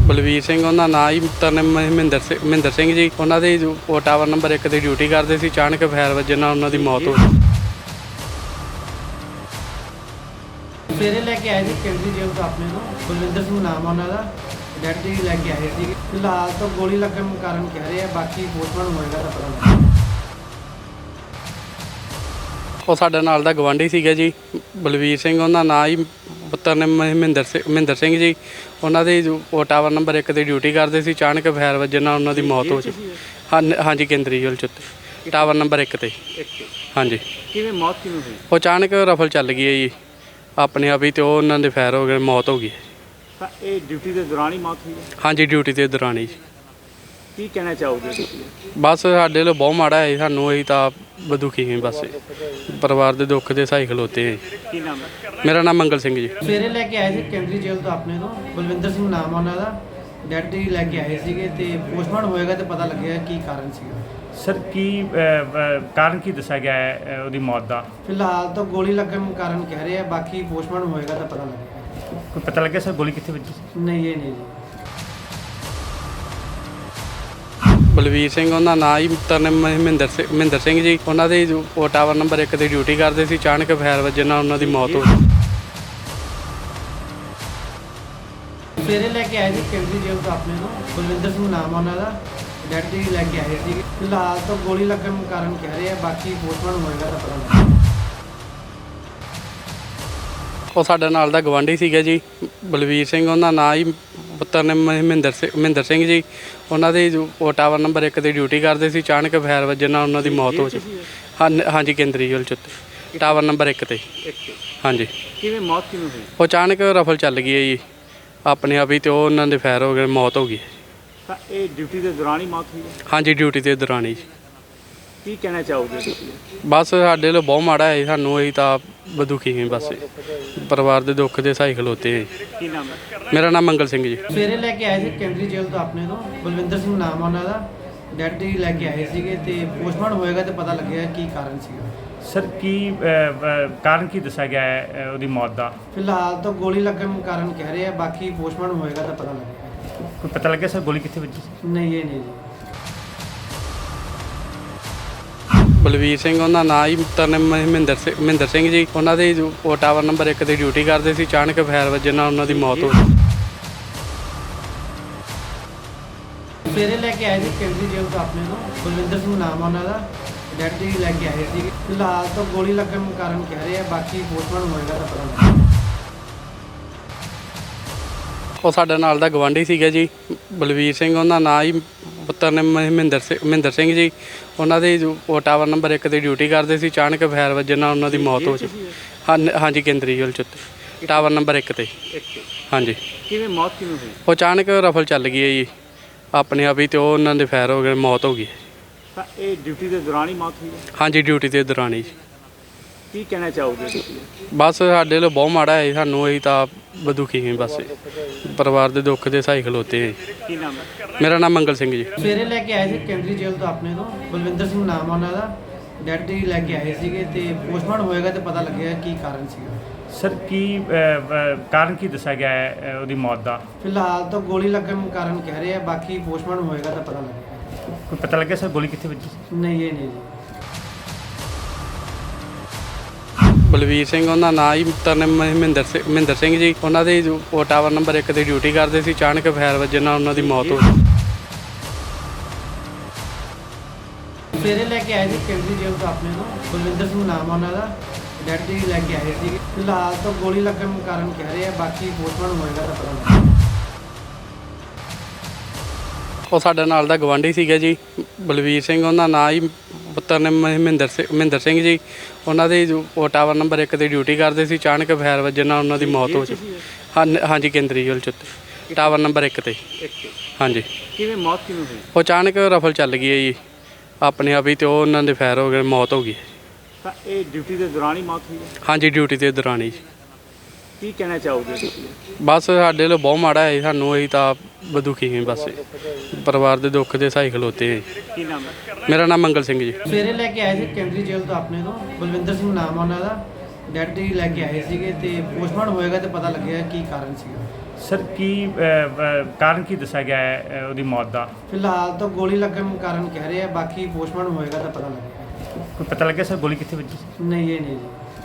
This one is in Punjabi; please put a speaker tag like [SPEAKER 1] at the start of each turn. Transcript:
[SPEAKER 1] ਬਲਵੀਰ ਸਿੰਘ ਉਹਨਾਂ ਨਾਂ ਹੀ ਤਰਨਮ ਮਹਿੰਦਰ ਸਿੰਘ ਜੀ। ਉਹਨਾਂ ਦੇ ਉਹ ਟਾਵਰ ਨੰਬਰ 1 ਤੇ ਡਿਊਟੀ ਕਰਦੇ ਸੀ। ਅਚਾਨਕ ਫਾਇਰ ਵੱਜਣ ਨਾਲ ਉਹਨਾਂ ਦੀ ਮੌਤ ਹੋ ਗਈ।
[SPEAKER 2] ਸਵੇਰੇ ਲੈ ਕੇ ਆਏ ਸੀ ਕੇਂਦਰੀ ਜੇਲ੍ਹ ਤੋਂ ਆਪਣੇ ਨੂੰ ਬਲਵਿੰਦਰ ਸਿੰਘ ਨਾਮ ਆ ਉਹਨਾਂ ਦਾ। ਡੈਡ ਜੀ ਲੈ ਕੇ ਆਏ ਸੀ। ਫਿਲਹਾਲ ਤਾਂ ਗੋਲੀ ਲੱਗਣ ਕਾਰਨ ਕਹਿ ਰਹੇ ਆ, ਬਾਕੀ ਪੋਸਟਮਾਰਟਮ ਹੋਏਗਾ ਤਾਂ ਪਤਾ ਲੱਗੇਗਾ।
[SPEAKER 1] ਉਹ ਸਾਡੇ ਨਾਲ ਦਾ ਗਵਾਂਢੀ ਸੀਗਾ ਜੀ ਬਲਵੀਰ ਸਿੰਘ। ਉਹਨਾਂ ਨਾਂ ਹੀ ਤਰਨਮ ਮਹਿੰਦਰ ਸਿੰਘ ਜੀ। ਉਹਨਾਂ ਦੇ ਉਹ ਟਾਵਰ ਨੰਬਰ 1 ਤੇ ਡਿਊਟੀ ਕਰਦੇ ਸੀ। ਅਚਾਨਕ ਫਾਇਰ ਵੱਜਣ ਨਾਲ ਉਹਨਾਂ ਦੀ ਮੌਤ ਹੋ ਗਈ। ਹਾਂਜੀ ਕੇਂਦਰੀ ਜੇਲ੍ਹ 'ਚ ਟਾਵਰ ਨੰਬਰ 1 ਤੇ। ਹਾਂਜੀ।
[SPEAKER 2] ਕਿਵੇਂ ਮੌਤ ਕਿਵੇਂ ਹੋਈ?
[SPEAKER 1] ਉਹ ਅਚਾਨਕ ਰਫਲ ਚੱਲ ਗਈ ਹੈ ਜੀ ਆਪਣੇ ਆਪ ਹੀ, ਤੇ ਉਹ ਉਹਨਾਂ ਦੇ ਫਾਇਰ ਹੋ ਗਏ, ਮੌਤ ਹੋ ਗਈ।
[SPEAKER 2] ਤਾਂ ਇਹ ਡਿਊਟੀ ਦੇ ਦੌਰਾਨ ਹੀ ਮੌਤ ਹੋਈ ਹੈ?
[SPEAKER 1] ਹਾਂਜੀ ਡਿਊਟੀ ਦੇ ਦੌਰਾਨ ਹੀ।
[SPEAKER 2] ਕੀ ਕਹਿਣਾ ਚਾਹੋਗੇ?
[SPEAKER 1] ਬਸ ਸਾਡੇ ਲਈ ਬਹੁਤ ਮਾੜਾ ਹੈ ਸਾਨੂੰ, ਅਸੀਂ ਤਾਂ ਦੁਖੀ ਹਾਂ। ਬਸ ਪਰਿਵਾਰ ਦੇ ਦੁੱਖ ਦੇ ਸਹਾਈ ਖਲੋਤੇ ਹਾਂ।
[SPEAKER 2] ਕੀ ਨਾਮ ਹੈ?
[SPEAKER 1] ਮੇਰਾ ਨਾਮ ਮੰਗਲ ਸਿੰਘ ਜੀ।
[SPEAKER 2] ਸਵੇਰੇ ਲੈ ਕੇ ਆਏ ਸੀ ਕੇਂਦਰੀ ਜੇਲ੍ਹ ਤੋਂ ਆਪਣੇ ਤੋਂ ਬਲਵਿੰਦਰ ਸਿੰਘ ਨਾਮ ਆ ਉਹਨਾਂ ਦਾ। ਡੈਡ ਜੀ ਲੈ ਕੇ ਆਏ ਸੀਗੇ ਤੇ ਪੋਸਟਮਾਰਟਮ ਹੋਏਗਾ ਤੇ ਪਤਾ ਲੱਗੇਗਾ ਕੀ ਕਾਰਨ ਸੀਗਾ।
[SPEAKER 3] ਸਰ ਕੀ ਕਾਰਨ ਕੀ ਦੱਸਿਆ ਗਿਆ ਹੈ ਉਹਦੀ ਮੌਤ ਦਾ?
[SPEAKER 2] ਫਿਲਹਾਲ ਤਾਂ ਗੋਲੀ ਲੱਗਣ ਕਾਰਨ ਕਹਿ ਰਹੇ ਆ, ਬਾਕੀ ਪੋਸਟਮਾਰਟਮ ਹੋਏਗਾ ਤਾਂ ਪਤਾ ਲੱਗੇਗਾ।
[SPEAKER 3] ਕੋਈ ਪਤਾ ਲੱਗਿਆ ਸਰ ਗੋਲੀ ਕਿੱਥੇ ਵੱਜੀ ਸੀ?
[SPEAKER 2] ਨਹੀਂ ਇਹ ਨਹੀਂ ਜੀ।
[SPEAKER 1] ਬਲਵੀਰ ਸਿੰਘ ਉਹਨਾਂ ਨਾਂ ਹੀ ਤਰਨਮ ਮਹਿੰਦਰ ਸਿੰਘ ਜੀ। ਉਹਨਾਂ ਦੇ ਉਹ ਟਾਵਰ ਨੰਬਰ 1 ਤੇ ਡਿਊਟੀ ਕਰਦੇ ਸੀ। ਅਚਾਨਕ ਫਾਇਰ ਵੱਜਣ ਨਾਲ ਉਹਨਾਂ ਦੀ ਮੌਤ ਹੋ ਗਈ।
[SPEAKER 2] ਸਵੇਰੇ ਲੈ ਕੇ ਆਏ ਸੀ ਕੇਂਦਰੀ ਜੇਲ੍ਹ ਤੋਂ ਆਪਣੇ ਨੂੰ ਬਲਵਿੰਦਰ ਸਿੰਘ ਨਾਮ ਆ ਉਹਨਾਂ ਦਾ। ਡੈਡ ਜੀ ਲੈ ਕੇ ਆਏ ਸੀ। ਫਿਲਹਾਲ ਤਾਂ ਗੋਲੀ ਲੱਗਣ ਕਾਰਨ ਕਹਿ ਰਹੇ ਆ, ਬਾਕੀ ਪੋਸਟਮਾਰਟਮ ਹੋਏਗਾ ਤਾਂ ਪਤਾ ਲੱਗੇਗਾ।
[SPEAKER 1] ਉਹ ਸਾਡੇ ਨਾਲ ਦਾ ਗਵਾਂਢੀ ਸੀਗਾ ਜੀ ਬਲਵੀਰ ਸਿੰਘ। ਉਹਨਾਂ ਨਾਂ ਹੀ ਤਰਨਮ ਮਹਿੰਦਰ ਸਿੰਘ ਜੀ। ਉਹਨਾਂ ਦੇ ਉਹ ਟਾਵਰ ਨੰਬਰ 1 ਤੇ ਡਿਊਟੀ ਕਰਦੇ ਸੀ। ਅਚਾਨਕ ਫਾਇਰ ਵੱਜਣ ਨਾਲ ਉਹਨਾਂ ਦੀ ਮੌਤ ਹੋ ਗਈ। ਹਾਂਜੀ ਕੇਂਦਰੀ ਜੇਲ੍ਹ 'ਚ ਟਾਵਰ ਨੰਬਰ 1 ਤੇ। ਹਾਂਜੀ।
[SPEAKER 2] ਕਿਵੇਂ ਮੌਤ ਕਿਵੇਂ ਹੋਈ?
[SPEAKER 1] ਉਹ ਅਚਾਨਕ ਰਫਲ ਚੱਲ ਗਈ ਹੈ ਜੀ ਆਪਣੇ ਆਪ ਹੀ, ਤੇ ਉਹ ਉਹਨਾਂ ਦੇ ਫਾਇਰ ਹੋ ਗਏ, ਮੌਤ ਹੋ ਗਈ।
[SPEAKER 2] ਤਾਂ ਇਹ ਡਿਊਟੀ ਦੇ ਦੌਰਾਨ ਹੀ ਮੌਤ ਹੋਈ ਹੈ?
[SPEAKER 1] ਹਾਂਜੀ ਡਿਊਟੀ ਦੇ ਦੌਰਾਨ ਹੀ।
[SPEAKER 2] ਕੀ ਕਹਿਣਾ ਚਾਹੋਗੇ?
[SPEAKER 1] ਬਸ ਸਾਡੇ ਲਈ ਬਹੁਤ ਮਾੜਾ ਹੈ ਸਾਨੂੰ, ਅਸੀਂ ਤਾਂ ਦੁਖੀ ਹਾਂ। ਬਸ ਪਰਿਵਾਰ ਦੇ ਦੁੱਖ ਦੇ ਸਹਾਈ ਖਲੋਤੇ ਹਾਂ।
[SPEAKER 2] ਕੀ ਨਾਮ ਹੈ?
[SPEAKER 1] ਮੇਰਾ ਨਾਮ ਮੰਗਲ ਸਿੰਘ ਜੀ।
[SPEAKER 2] ਸਵੇਰੇ ਲੈ ਕੇ ਆਏ ਸੀ ਕੇਂਦਰੀ ਜੇਲ੍ਹ ਤੋਂ ਆਪਣੇ ਤੋਂ ਬਲਵਿੰਦਰ ਸਿੰਘ ਨਾਮ ਆ ਉਹਨਾਂ ਦਾ। ਡੈਡ ਜੀ ਲੈ ਕੇ ਆਏ ਸੀਗੇ ਤੇ ਪੋਸਟਮਾਰਟਮ ਹੋਏਗਾ ਤੇ ਪਤਾ ਲੱਗੇਗਾ ਕੀ ਕਾਰਨ ਸੀਗਾ।
[SPEAKER 3] ਸਰ ਕੀ ਕਾਰਨ ਕੀ ਦੱਸਿਆ ਗਿਆ ਹੈ ਉਹਦੀ ਮੌਤ ਦਾ?
[SPEAKER 2] ਫਿਲਹਾਲ ਤਾਂ ਗੋਲੀ ਲੱਗਣ ਕਾਰਨ ਕਹਿ ਰਹੇ ਆ, ਬਾਕੀ ਪੋਸਟਮਾਰਟਮ ਹੋਏਗਾ ਤਾਂ ਪਤਾ ਲੱਗੇਗਾ।
[SPEAKER 3] ਕੋਈ ਪਤਾ ਲੱਗਿਆ ਸਰ ਗੋਲੀ ਕਿੱਥੇ ਵੱਜੀ ਸੀ?
[SPEAKER 2] ਨਹੀਂ ਇਹ ਨਹੀਂ ਜੀ।
[SPEAKER 1] ਬਲਵੀਰ ਸਿੰਘ ਉਹਨਾਂ ਨਾਂ ਹੀ ਤਰਨਮ ਮਹਿੰਦਰ ਸਿੰਘ ਜੀ। ਉਹਨਾਂ ਦੇ ਉਹ ਟਾਵਰ ਨੰਬਰ 1 ਤੇ ਡਿਊਟੀ ਕਰਦੇ ਸੀ। ਅਚਾਨਕ ਫਾਇਰ ਵੱਜਣ ਨਾਲ ਉਹਨਾਂ ਦੀ ਮੌਤ ਹੋ ਗਈ।
[SPEAKER 2] ਸਵੇਰੇ ਲੈ ਕੇ ਆਏ ਸੀ ਕੇਂਦਰੀ ਜੇਲ੍ਹ ਤੋਂ ਆਪਣੇ ਨੂੰ ਬਲਵਿੰਦਰ ਸਿੰਘ ਨਾਮ ਆ ਉਹਨਾਂ ਦਾ। ਡੈਡ ਜੀ ਲੈ ਕੇ ਆਏ ਸੀ। ਫਿਲਹਾਲ ਤਾਂ ਗੋਲੀ ਲੱਗਣ ਕਾਰਨ ਕਹਿ ਰਹੇ ਆ, ਬਾਕੀ ਪੋਸਟਮਾਰਟਮ ਹੋਏਗਾ ਤਾਂ ਪਤਾ ਲੱਗੇਗਾ।
[SPEAKER 1] ਉਹ ਸਾਡੇ ਨਾਲ ਦਾ ਗਵਾਂਢੀ ਸੀਗਾ ਜੀ ਬਲਵੀਰ ਸਿੰਘ। ਉਹਨਾਂ ਨਾਂ ਹੀ ਤਰਨਮ ਮਹਿੰਦਰ ਸਿੰਘ ਜੀ। ਉਹਨਾਂ ਦੇ ਉਹ ਟਾਵਰ ਨੰਬਰ 1 ਤੇ ਡਿਊਟੀ ਕਰਦੇ ਸੀ। ਅਚਾਨਕ ਫਾਇਰ ਵੱਜਣ ਨਾਲ ਉਹਨਾਂ ਦੀ ਮੌਤ ਹੋ ਗਈ। ਹਾਂਜੀ ਕੇਂਦਰੀ ਜੇਲ੍ਹ 'ਚ ਟਾਵਰ ਨੰਬਰ 1 ਤੇ। ਹਾਂਜੀ।
[SPEAKER 2] ਕਿਵੇਂ ਮੌਤ ਕਿਵੇਂ ਹੋਈ?
[SPEAKER 1] ਉਹ ਅਚਾਨਕ ਰਫਲ ਚੱਲ ਗਈ ਹੈ ਜੀ ਆਪਣੇ ਆਪ ਹੀ, ਤੇ ਉਹ ਉਹਨਾਂ ਦੇ ਫਾਇਰ ਹੋ ਗਏ, ਮੌਤ ਹੋ ਗਈ।
[SPEAKER 2] ਤਾਂ ਇਹ ਡਿਊਟੀ ਦੇ ਦੌਰਾਨ ਹੀ ਮੌਤ ਹੋਈ ਹੈ?
[SPEAKER 1] ਹਾਂਜੀ ਡਿਊਟੀ ਦੇ ਦੌਰਾਨ ਹੀ।
[SPEAKER 2] ਕੀ ਕਹਿਣਾ ਚਾਹੋਗੇ?
[SPEAKER 1] ਬਸ ਸਾਡੇ ਲਈ ਬਹੁਤ ਮਾੜਾ ਹੈ ਸਾਨੂੰ, ਅਸੀਂ ਤਾਂ ਦੁਖੀ ਹਾਂ। ਬਸ ਪਰਿਵਾਰ ਦੇ ਦੁੱਖ ਦੇ ਸਹਾਈ ਖਲੋਤੇ ਹਾਂ।
[SPEAKER 2] ਕੀ ਨਾਮ ਹੈ?
[SPEAKER 1] ਮੇਰਾ ਨਾਮ ਮੰਗਲ ਸਿੰਘ ਜੀ।
[SPEAKER 2] ਸਵੇਰੇ ਲੈ ਕੇ ਆਏ ਸੀ ਕੇਂਦਰੀ ਜੇਲ੍ਹ ਤੋਂ ਆਪਣੇ ਤੋਂ ਬਲਵਿੰਦਰ ਸਿੰਘ ਨਾਮ ਆ ਉਹਨਾਂ ਦਾ। ਡੈਡ ਜੀ ਲੈ ਕੇ ਆਏ ਸੀਗੇ ਤੇ ਪੋਸਟਮਾਰਟਮ ਹੋਏਗਾ ਤੇ ਪਤਾ ਲੱਗੇਗਾ ਕੀ ਕਾਰਨ ਸੀਗਾ।
[SPEAKER 3] ਸਰ ਕੀ ਕਾਰਨ ਕੀ ਦੱਸਿਆ ਗਿਆ ਹੈ ਉਹਦੀ ਮੌਤ ਦਾ?
[SPEAKER 2] ਫਿਲਹਾਲ ਤਾਂ ਗੋਲੀ ਲੱਗਣ ਕਾਰਨ ਕਹਿ ਰਹੇ ਆ, ਬਾਕੀ ਪੋਸਟਮਾਰਟਮ ਹੋਏਗਾ ਤਾਂ ਪਤਾ ਲੱਗੇਗਾ।
[SPEAKER 3] ਕੋਈ ਪਤਾ ਲੱਗਿਆ ਸਰ ਗੋਲੀ ਕਿੱਥੇ ਵੱਜੀ ਸੀ?
[SPEAKER 2] ਨਹੀਂ ਇਹ ਨਹੀਂ ਜੀ।
[SPEAKER 1] ਬਲਵੀਰ ਸਿੰਘ ਉਹਨਾਂ ਨਾਂ ਹੀ ਤਰਨਮ ਮਹਿੰਦਰ ਸਿੰਘ ਜੀ। ਉਹਨਾਂ ਦੇ ਉਹ ਟਾਵਰ ਨੰਬਰ 1 ਤੇ ਡਿਊਟੀ ਕਰਦੇ ਸੀ। ਅਚਾਨਕ ਫਾਇਰ ਵੱਜਣ ਨਾਲ ਉਹਨਾਂ ਦੀ ਮੌਤ ਹੋ ਗਈ।
[SPEAKER 2] ਸਵੇਰੇ ਲੈ ਕੇ ਆਏ ਸੀ ਕੇਂਦਰੀ ਜੇਲ੍ਹ ਤੋਂ ਆਪਣੇ ਨੂੰ ਬਲਵਿੰਦਰ ਸਿੰਘ ਨਾਮ ਆ ਉਹਨਾਂ ਦਾ। ਡੈਡ ਜੀ ਲੈ ਕੇ ਆਏ ਸੀ। ਫਿਲਹਾਲ ਤਾਂ ਗੋਲੀ ਲੱਗਣ ਕਾਰਨ ਕਹਿ ਰਹੇ ਆ, ਬਾਕੀ ਪੋਸਟਮਾਰਟਮ ਹੋਏਗਾ ਤਾਂ ਪਤਾ ਲੱਗੇਗਾ।
[SPEAKER 1] ਉਹ ਸਾਡੇ ਨਾਲ ਦਾ ਗਵਾਂਢੀ ਸੀਗਾ ਜੀ ਬਲਵੀਰ ਸਿੰਘ। ਉਹਨਾਂ ਨਾਂ ਹੀ ਤਰਨਮ ਮਹਿੰਦਰ ਸਿੰਘ ਜੀ। ਉਹਨਾਂ ਦੇ ਉਹ ਟਾਵਰ ਨੰਬਰ 1 ਤੇ ਡਿਊਟੀ ਕਰਦੇ ਸੀ। ਅਚਾਨਕ ਫਾਇਰ ਵੱਜਣ ਨਾਲ ਉਹਨਾਂ ਦੀ ਮੌਤ ਹੋ ਗਈ। ਹਾਂਜੀ ਕੇਂਦਰੀ ਜੇਲ੍ਹ 'ਚ ਟਾਵਰ ਨੰਬਰ 1 ਤੇ। ਹਾਂਜੀ।
[SPEAKER 2] ਕਿਵੇਂ ਮੌਤ ਕਿਵੇਂ ਹੋਈ?
[SPEAKER 1] ਉਹ ਅਚਾਨਕ ਰਫਲ ਚੱਲ ਗਈ ਹੈ ਜੀ ਆਪਣੇ ਆਪ ਹੀ, ਤੇ ਉਹ ਉਹਨਾਂ ਦੇ ਫਾਇਰ ਹੋ ਗਏ, ਮੌਤ ਹੋ ਗਈ।
[SPEAKER 2] ਤਾਂ ਇਹ ਡਿਊਟੀ ਦੇ ਦੌਰਾਨ ਹੀ ਮੌਤ ਹੋਈ ਹੈ?
[SPEAKER 1] ਹਾਂਜੀ ਡਿਊਟੀ ਦੇ ਦੌਰਾਨ ਹੀ।
[SPEAKER 2] ਕੀ ਕਹਿਣਾ ਚਾਹੋਗੇ?
[SPEAKER 1] ਬਸ ਸਾਡੇ ਲਈ ਬਹੁਤ ਮਾੜਾ ਹੈ ਸਾਨੂੰ, ਅਸੀਂ ਤਾਂ ਦੁਖੀ ਹਾਂ। ਬਸ ਪਰਿਵਾਰ ਦੇ ਦੁੱਖ ਦੇ ਸਹਾਈ ਖਲੋਤੇ ਹਾਂ।
[SPEAKER 2] ਕੀ ਨਾਮ ਹੈ?
[SPEAKER 1] ਮੇਰਾ ਨਾਮ ਮੰਗਲ ਸਿੰਘ ਜੀ।
[SPEAKER 2] ਸਵੇਰੇ ਲੈ ਕੇ ਆਏ ਸੀ ਕੇਂਦਰੀ ਜੇਲ੍ਹ ਤੋਂ ਆਪਣੇ ਤੋਂ ਬਲਵਿੰਦਰ ਸਿੰਘ ਨਾਮ ਆ ਉਹਨਾਂ ਦਾ। ਡੈਡ ਜੀ ਲੈ ਕੇ ਆਏ ਸੀਗੇ ਤੇ ਪੋਸਟਮਾਰਟਮ ਹੋਏਗਾ ਤੇ ਪਤਾ ਲੱਗੇਗਾ ਕੀ ਕਾਰਨ ਸੀਗਾ।
[SPEAKER 3] ਸਰ ਕੀ ਕਾਰਨ ਕੀ ਦੱਸਿਆ ਗਿਆ ਹੈ ਉਹਦੀ ਮੌਤ ਦਾ?
[SPEAKER 2] ਫਿਲਹਾਲ ਤਾਂ ਗੋਲੀ ਲੱਗਣ ਕਾਰਨ ਕਹਿ ਰਹੇ ਆ, ਬਾਕੀ ਪੋਸਟਮਾਰਟਮ ਹੋਏਗਾ ਤਾਂ ਪਤਾ ਲੱਗੇਗਾ।
[SPEAKER 3] ਕੋਈ ਪਤਾ ਲੱਗਿਆ ਸਰ ਗੋਲੀ ਕਿੱਥੇ ਵੱਜੀ ਸੀ?
[SPEAKER 2] ਨਹੀਂ ਇਹ ਨਹੀਂ ਜੀ।